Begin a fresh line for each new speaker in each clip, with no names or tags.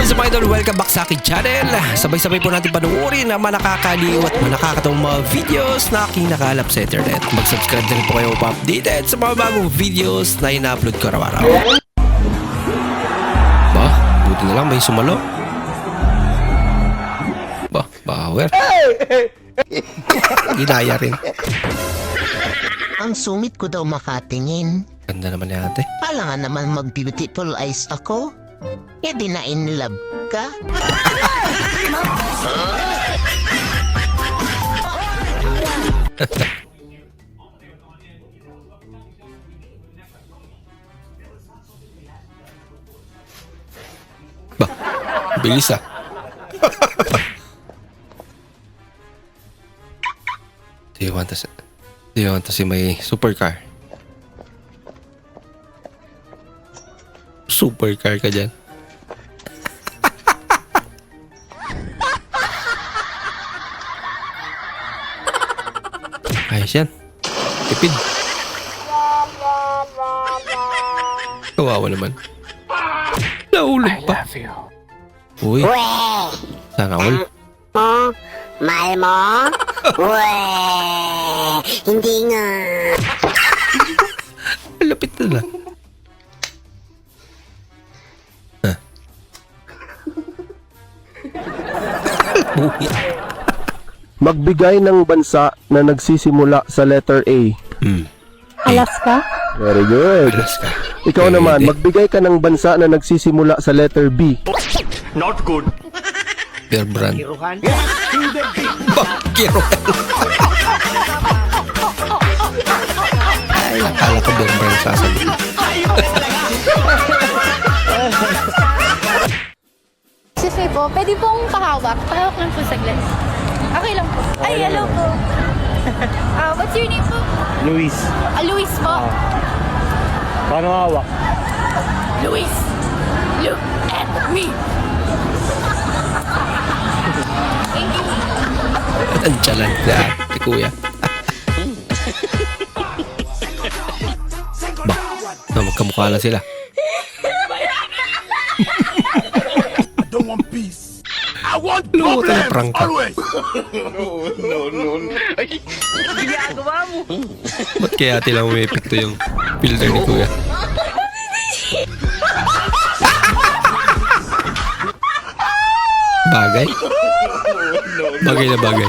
What's up mga idol? Welcome back sa aking channel. Sabay-sabay po natin panuorin ang mga nakakaliw at mga nakakatawang mga videos na aking nakalap sa internet. Mag-subscribe na rin po kayo pa-updated sa mga bagong videos na ina-upload ko araw-araw. Ba? Buti na lang may sumalo. Ba? Power. Ginaya rin.
Ang sungit ko daw makatingin.
Ganda naman yan ate.
Pala nga naman mag-beautiful eyes ako. E di na in love ka?
Ba? Bilis ah. Do you want to see my supercar? Supercar ka dyan. Ayos yan. Tipid. Kawawa naman. Naulog pa. Uy. Sana all.
Mahal mo? Weh! Hindi nga.
Lapit na lang.
Magbigay ng bansa na nagsisimula sa letter A.
Alaska?
Very good.
Alaska.
Ikaw naman, magbigay ka ng bansa na nagsisimula sa letter B.
Not good.
Bear brand. Bakiruhan. Ay, akala ko bear brand sasabihin.
Excuse me po, pwede pong pahawak? Pahawak lang po saglit. Okay lang po. Ay, hello po. What's your name po?
Luis.
Luis po.
Paano hawak?
Luis, look at me. Thank you.
Ang chalan na ate kuya. Ba? Magkamukha lang sila.
I don't want peace. I want
Luto na
problems
prank ka.
always.
Ba't kaya tila umepekto yung filter ni kuya? Bagay? Bagay na bagay.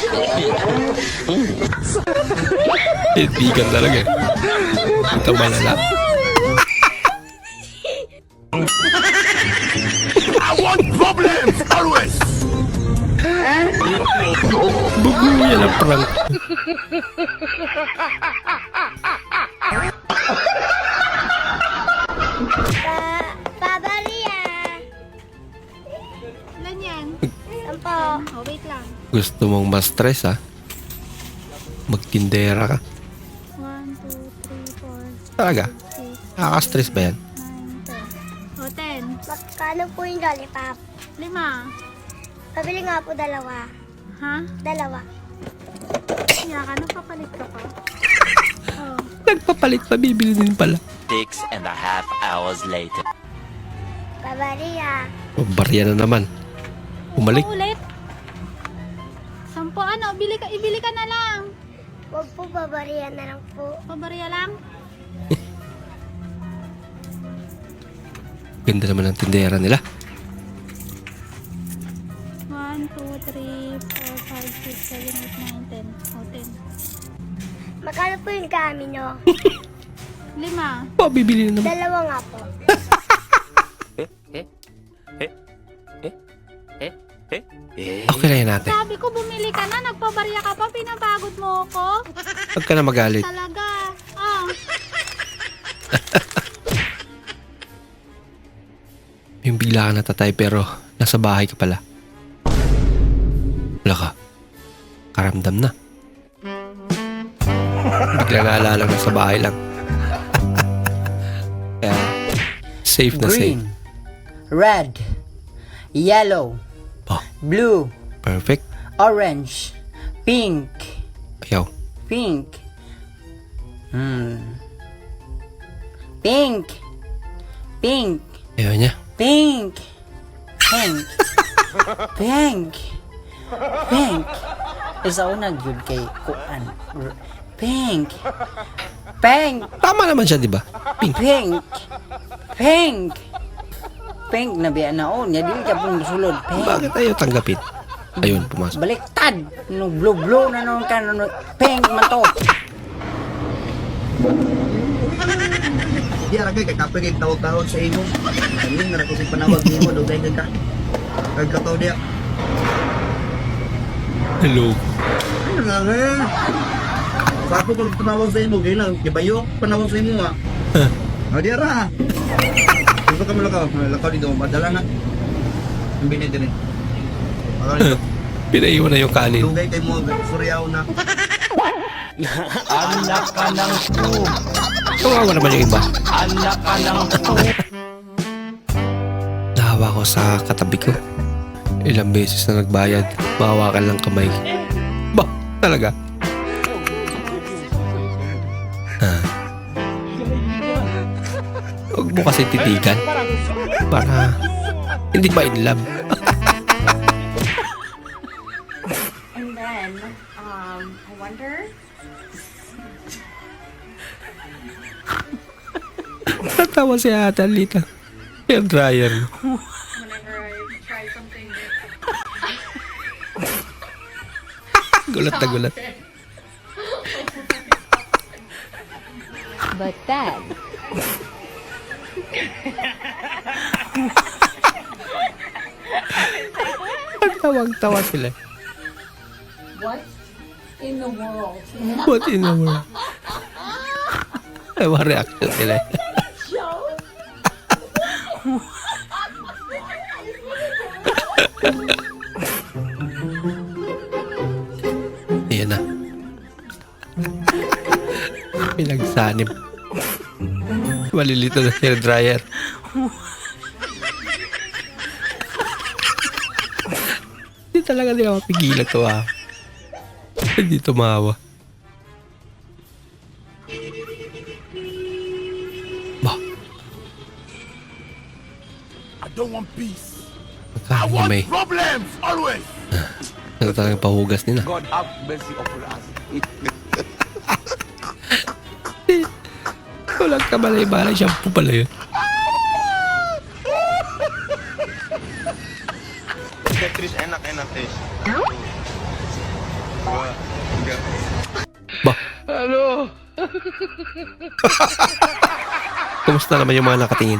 Itigan talaga eh. Ito malala.
I want problems always.
Bugo yan ang prank.
Pabaria.
Ilan yan?
Sampo.
Oh, wait lang.
Gusto mong ma-stress ha? Magtindera ka.
1, 2, 3, 4,
Talaga?
6,
Nakaka-stress ba yan?
9, 10. O, 10.
Magkano po yung lollipop?
5.
Pabili nga po dalawa.
Ha?
Dalawa.
Kaya ka, nagpapalit ka pa. Oh.
Nagpapalit pa, bibili din pala.
6.5 hours later.
Pabaria.
O, barya na naman. Umalik.
Ulit. 10 ano, ibili ka na lang.
Huwag po pabaria na lang po.
Pabarya lang.
Ganda naman ang tindera nila.
1, 2, 3, 4, 5, 6, 7, 8, 9, 10. O, 10.
Magkano po yung kami nyo?
5.
O, bibili na naman.
Dalawa nga po.
Okay na yan natin.
Sabi ko, bumili ka na, nagpabarya ka pa, pinapagod mo ako.
Huwag ka na magalit.
Talaga. Oh.
Yung bigla ka natatay pero nasa bahay ka pala. Wala ka. Karamdam na. Bigla naalala lang nasa bahay lang. Kaya, safe na safe.
Green, red, yellow,
Oh,
blue,
perfect.
orange, pink,
Ayaw.
pink, pink, pink,
Ayaw niya.
pink, Pink. Pink. Pink. Isa una gyud kay kuan. Pink. Pink.
Tama naman siya, di ba? Pink.
Pink. Pink. Pink na biya naon. Ya dili ka pong sulod. Pink.
Bakit ayaw tanggapin? Ayun, pumasok.
Baliktad. No blue na naman ka. No, pink man to.
Di aragay kay kapag tawag-tawag sa imo. Kami na ko si panawag nimo dugay ka. Kag kataw dia.
Hello.
Ano nga nga? Sa ako pag panawag sa imo, gaya lang, kibayo, panawag sa imo ha. O di ara. Gusto ka lakaw dito, madala na. Ang binid din eh.
Pinaiwan na yung kanin.
Dugay kay mo, suryaw na.
Anak ka ng po.
Kawawa naman yung iba.
Anak ka ng po.
Nahawa ko sa katabi ko. Ilang beses na nagbayad. Mahawakan lang kamay. Ba, talaga? Huwag mo kasi titigan. Para hindi ba in love?
And then, I wonder...
Natawa si Ate Alita. Hair dryer.
Whenever I try something
Gulat na gulat.
But then...
Tawang-tawa sila.
What in the world?
What in the world? Ay, mga reaction sila. Ayan na. Pinagsanib. Malilito na hair dryer. Hindi talaga nila mapigilan to ah. Hindi tumawa. Ba?
I don't want peace. I
Magkano
want
may
problems always.
ano talagang pahugas nila.
God have mercy upon us.
Walang kabalay-balay. Shampoo pala yun.
Tetris enak-enak guys.
Ba? Ano? Kumusta naman yung mga nakatingin?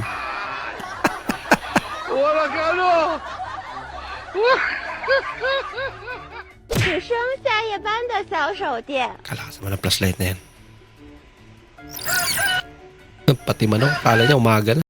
Wala ka ano?
只剩下夜班的小手电。
Kalakas naman ang flashlight na yan. Pati manok, kala niya umaga na.